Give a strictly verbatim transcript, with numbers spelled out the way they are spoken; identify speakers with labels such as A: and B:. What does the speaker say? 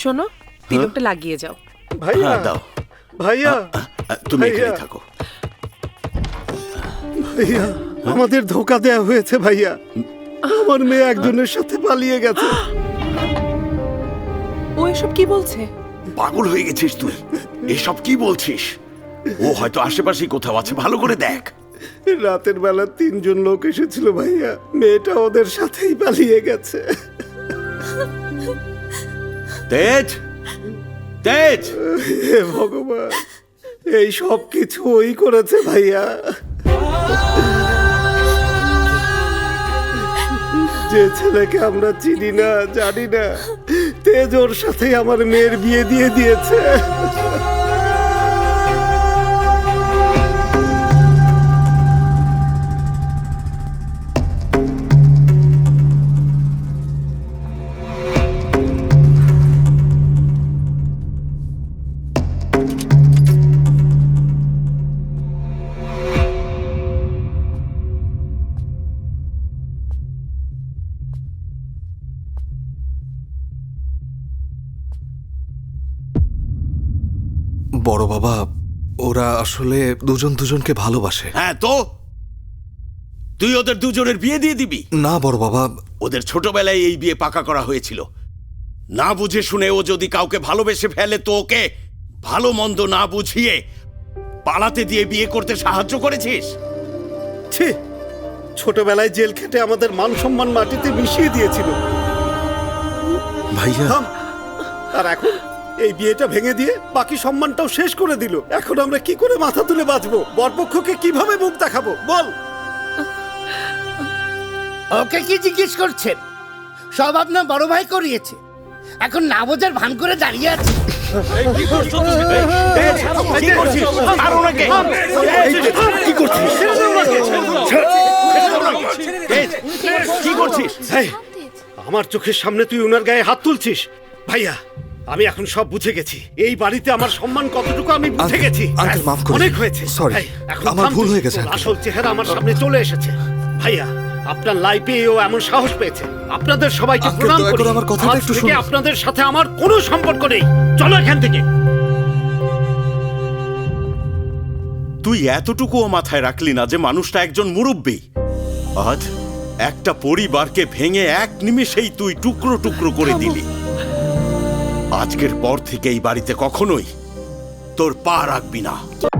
A: শোনো, তিলকটা লাগিয়ে যাও।
B: ভাইয়া
C: হ্যাঁ, দাও।
B: ভাইয়া
C: তুমি
B: ভাইয়া।
C: এখানে থাকো।
B: ভাইয়া আমাদের ধোকা দেয়া হয়েছে ভাইয়া। আমার মেয়ে একজনের সাথে পালিয়ে গেছে।
A: ও এসব কি বলছে?
C: পাগল হয়ে গেছিস তুই? এসব কি বলছিস? ও হয়তো আশেপাশেই কোথাও আছে, ভালো করে দেখ।
B: রাতের বেলা তিনজন লোক এসেছিল ভাইয়া, মেয়েটা ওদের সাথেই পালিয়ে গেছে।
C: তেজ, তেজ,
B: হে ভগবান, এই সব কিছু ওই করেছে ভাইয়া। যে ছেলেকে আমরা চিনি না জানি না, তেজ ওর সাথে আমার মেয়ের বিয়ে দিয়ে দিয়েছে।
D: বড় বাবা, ওরা আসলে দুজন দুজনকে ভালোবাসে।
C: হ্যাঁ তো তুই ওদের দুজনের বিয়ে দিয়ে দিবি?
D: না বড় বাবা,
C: ওদের ছোটবেলায় এই বিয়ে পাকা করা হয়েছিল। না বুঝে শুনে ও যদি কাউকে ভালোবেসে ফেলে তো ওকে ভালো মন্দ না বুঝিয়ে পালাতে দিয়ে বিয়ে করতে সাহায্য করেছিস?
B: ছি, ছোটবেলায় জেল খেটে আমাদের মান সম্মান মাটিতে মিশিয়ে দিয়েছিল।
D: ভাইয়া
B: থাম। আর এখন এই বিয়েটা ভেঙে দিয়ে বাকি সম্মানটাও শেষ করে দিল। এখন আমরা কি করে মাথা তুলে বাঁচবো? বরপক্ষকে কিভাবে মুখ দেখাবো বল?
E: ওকে কি জিজ্ঞেস করছেন? সব আপনার বড় ভাই করিয়েছে, এখন না বোঝার ভান করে দাঁড়িয়ে আছে।
C: কি করছিস? আর ওনাকে কি করছিস? কি করছিস?
B: এই, আমার চোখের সামনে তুই ওনার গায়ে হাত তুলছিস? ভাইয়া, আমি এখন সব বুঝে গেছি। এই বাড়িতে আমার সম্মান কতটুকু আমি বুঝে
D: আঙ্কেল,
B: গেছি।
D: আঙ্কেল, মাফ করুন।
B: অনেক হয়েছে।
D: Sorry,
B: এই, এখন
D: আমার
B: থাম
D: ভুল
B: তুই।
D: হয়ে গেছে,
B: তোর
D: আঙ্কেল।
B: আসল চেহারা আমার সামনে চলে এসেছে। ভাইয়া, আপনার লাইফে ও এমন সাহস পেয়েছে। আপনাদের সবাইকে
D: আঙ্কেল,
B: প্রণাম
D: দয়া
B: করি।
D: করে আমার কথাটা
B: আজ
D: একটু
B: থেকে
D: শুনুন।
B: আপনাদের সাথে আমার কোনো সম্পর্ক নেই। চলো এখান থেকে।
C: তুই এতটুকুও মাথায় রাখলি না যে মানুষটা একজন মুরব্বী। আজ একটা পরিবারকে ভেঙে এক নিমেষেই তুই টুকরো টুকরো করে দিলি। আজকের পর থেকে এই বাড়িতে কখনোই তোর পা রাখবি না।